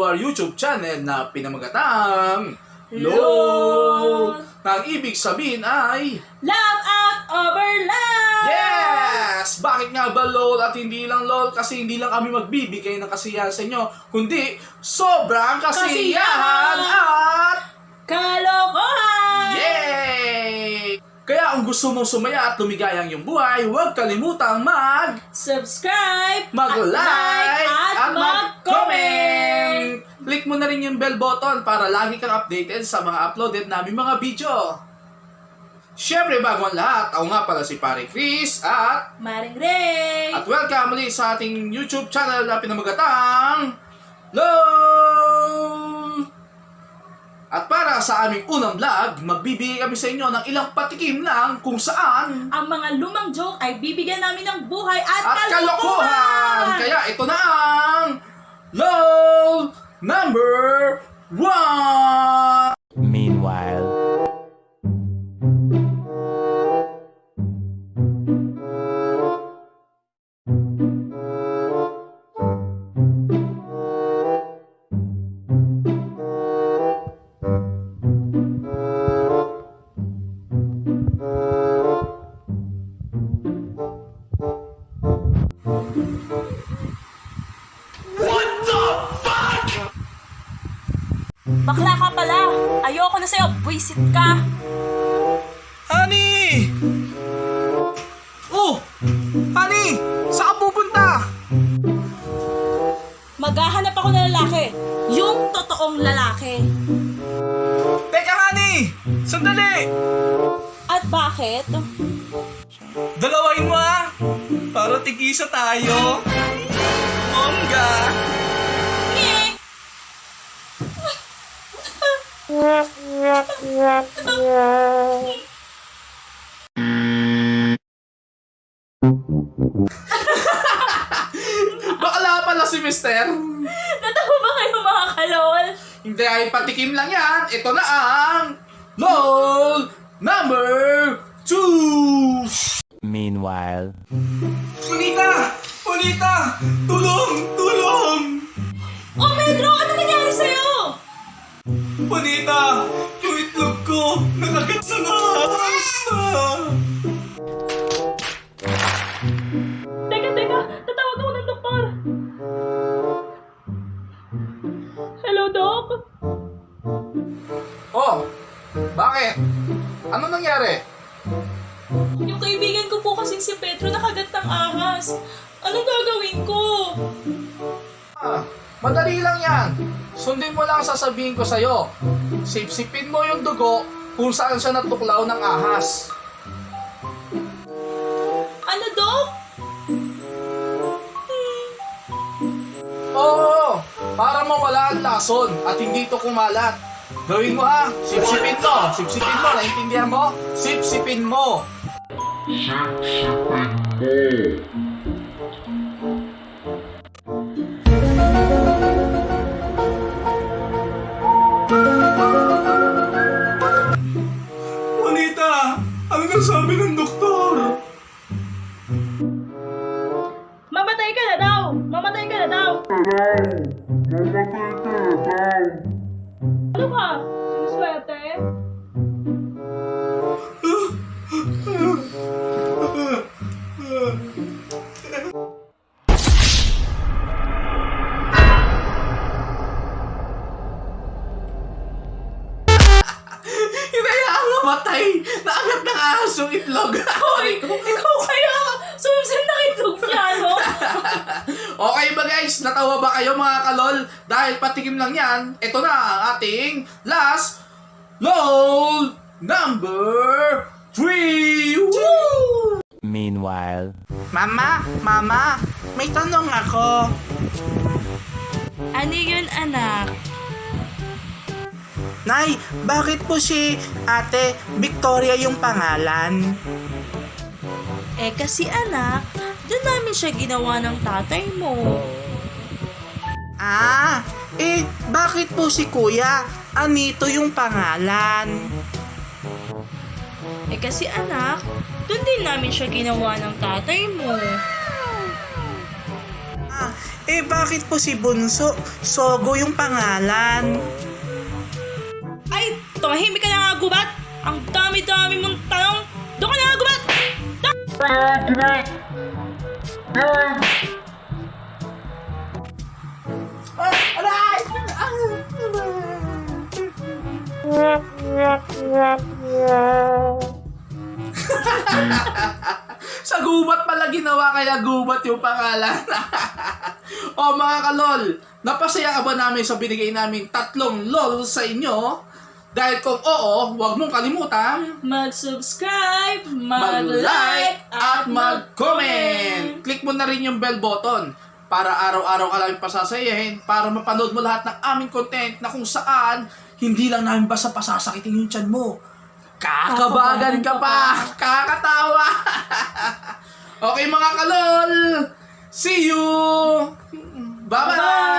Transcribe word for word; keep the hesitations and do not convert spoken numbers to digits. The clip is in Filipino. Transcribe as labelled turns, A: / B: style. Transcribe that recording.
A: our YouTube channel na pinamagatang
B: LOL!
A: Ang ibig sabihin ay
B: Love out over love!
A: yes! Bakit nga ba LOL at hindi lang LOL? Kasi hindi lang kami magbibigay ng kasiyahan sa inyo, kundi sobrang kasiyahan
B: Kasiyahan!
A: at
B: Kalokohan!
A: yay! Kaya kung gusto mong sumaya at lumigaya ang iyong buhay, huwag kalimutang mag
B: Subscribe!
A: mag-like
B: at,
A: at mag-comment!
B: mag-comment!
A: Click mo na rin yung bell button para lagi kang updated sa mga uploaded namin mga video. Siyempre, bago ang lahat, ako nga pala si Pare Chris at
B: Maring Ray!
A: at welcome muli sa ating YouTube channel na pinamagatang LOL! At para sa aming unang vlog, magbibigay kami sa inyo ng ilang patikim lang kung saan
B: Ang mga lumang joke ay bibigyan namin ng buhay at,
A: at
B: kalokohan!
A: kalokohan! Kaya ito na ang LOL number one!
C: Meanwhile,
B: Bakla ka pala! Ayoko na sa'yo! Buisit ka!
A: Honey! Oh! Honey! Saan ka pupunta?
B: Maghahanap ako ng lalaki. Yung totoong lalaki.
A: Teka, honey! Sandali!
B: At bakit?
A: Dalawain mo ah! Para tigisa tayo! Bongga!
B: Nye!
A: Bakla pala si mister!
B: Natawa ba kayo mga kalol?
A: Hindi ay patikim lang yan! Ito na ang LOL number two!
C: meanwhile,
A: Punita! Punita! Tulong! Tulong!
B: Oh, Pedro! Ano nangyari sa'yo?
A: Punita! Yung itlog ko! Nakagat sa nahas!
B: Teka, teka! Tatawag ako ng doktor! Hello, Doc?
A: Oh! Bakit? Ano nangyari?
B: Yung kaibigan ko po kasing si Pedro nakagat ng ahas. Anong gagawin ko?
A: Ah, madali lang yan. Sundin mo lang ang sasabihin ko sa'yo. Sipsipin mo yung dugo kung saan siya natuklaw ng ahas.
B: Ano, Doc?
A: Oo, para mawala ang lason at hindi ito kumalat. Gawin mo ha, sipsipin to. Sipsipin mo, naintindihan mo? Sipsipin mo. Juanita, ano nang sabi ng doktor?
B: Mamatay ka na daw! Mamatay ka na daw! Ano ka? Sinuswerte?
A: Hinayaan mamatay! Naagat ng ahas yung itlog!
B: Hoy! Ikaw kaya! Sumsim na itlog niya, no?
A: Okay ba guys? Natawa ba kayo mga kalol? Dahil patikim lang yan, ito na ang ating last LOL number three! Woo!
C: meanwhile,
A: Mama, mama, may tanong ako.
B: Ano yun, anak?
A: Nay, bakit po si Ate Victoria yung pangalan?
B: Eh, kasi anak, doon namin siya ginawa ng tatay mo.
A: Ah, eh bakit po si Kuya Anito yung pangalan?
B: Eh, kasi anak, doon din namin siya ginawa ng tatay mo.
D: Eh bakit po si Bunso? Sogo yung pangalan.
B: Ay, tumahimik ka na nga, gubat! Ang dami-dami mong tanong! Doon ka na nga, gubat!
A: Sa gubat pala ginawa, kaya gubat yung pangalan. O mga kalol, napasaya ka ba namin sa binigay namin tatlong lol sa inyo? Dahil kung oo, huwag mong kalimutan
B: Mag-subscribe,
A: mag-like at mag-comment. Click mo na rin yung bell button para araw-araw ka lang pasasayahin, para mapanood mo lahat ng aming content na kung saan hindi lang namin basta pasasakitin yung tiyan mo. Kakabagan ka pa! Kakatawa! Okay mga kalol! See you! Bye-bye!